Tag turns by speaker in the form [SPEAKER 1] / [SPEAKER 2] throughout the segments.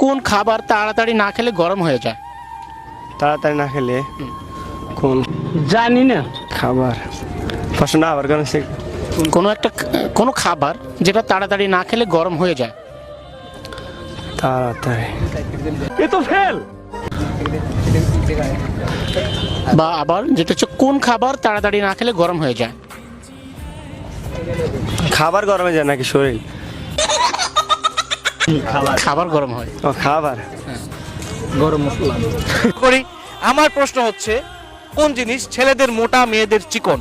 [SPEAKER 1] কোন খাবার তাড়াতাড়ি না খেলে গরম হয়ে যায়?
[SPEAKER 2] তাড়াতাড়ি না খেলে কোন
[SPEAKER 3] জানি না।
[SPEAKER 2] খাবার প্রশ্ন আবার কেন সে
[SPEAKER 1] কোনো খাবার যেটা তাড়াতাড়ি না খেলে গরম হয়ে যায়।
[SPEAKER 2] তাড়াতাড়ি
[SPEAKER 3] এ তো ফেল।
[SPEAKER 1] বা আবার যেটা হচ্ছে কোন খাবার তাড়াতাড়ি না খেলে গরম হয়ে যায়।
[SPEAKER 2] খাবার গরমে যায় নাকি শরীর?
[SPEAKER 1] খাবার গরম হয়।
[SPEAKER 2] ও খাবার
[SPEAKER 3] গরম মশলা।
[SPEAKER 4] করি আমার প্রশ্ন হচ্ছে কোন জিনিস ছেলেদের মোটা মেয়েদের চিকন?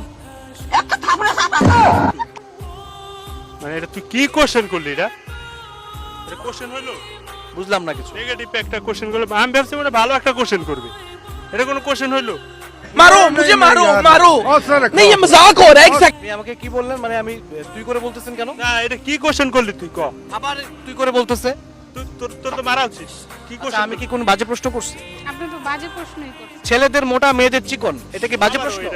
[SPEAKER 5] মানে এটা তুই কি কোশ্চেন করলি? এটা কোশ্চেন হইলো?
[SPEAKER 4] বুঝলাম না কিছু।
[SPEAKER 5] নেগেটিভ একটা কোশ্চেন করলো, আমি ভাবছি মানে ভালো একটা কোশ্চেন করবে। এটা কোনো কোশ্চেন হইলো?
[SPEAKER 4] মারো মুঝে মারো মারো नहीं ये मजाक हो रहा है एग्जैक्ट। আপনি আমাকে কি বললেন মানে আমি তুই করে বলতেছেন কেন?
[SPEAKER 5] না এটা কি কোশ্চেন করলি তুই ক?
[SPEAKER 4] আবার তুই করে বলতেছে।
[SPEAKER 5] তোর তো মারা উচিত। কি
[SPEAKER 4] আচ্ছা,
[SPEAKER 5] কোশ্চেন?
[SPEAKER 4] আমি কি কোন বাজে প্রশ্ন করছি?
[SPEAKER 6] আপনি তো বাজে প্রশ্নই করছেন।
[SPEAKER 4] ছেলেদের মোটা মেয়েদের চিকন এটা কি বাজে প্রশ্ন?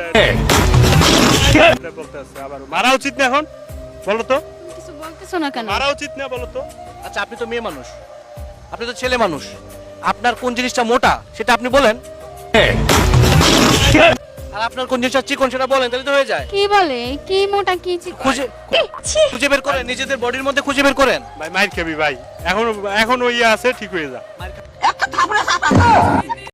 [SPEAKER 5] বলতে আছে আবার মারা উচিত না এখন? বলো তো
[SPEAKER 6] কিছু বলতেছো না কেন?
[SPEAKER 5] মারা উচিত না বলো তো?
[SPEAKER 4] আচ্ছা আপনি তো মেয়ে মানুষ, আপনি তো ছেলে মানুষ, আপনার কোন জিনিসটা মোটা সেটা আপনি বলেন, আর আপনার কোন জিনিসটা চিকন সেটা বলেন, তাহলে তো হয়ে যায়।
[SPEAKER 6] কি বলে? কি মোটা কি চিকন?
[SPEAKER 4] খুঁজে বের করেন, নিজেদের বডির মধ্যে খুঁজে বের করেন।
[SPEAKER 5] ভাই মাইর খাবি ভাই, এখন ওই আছে ঠিক হয়ে যা।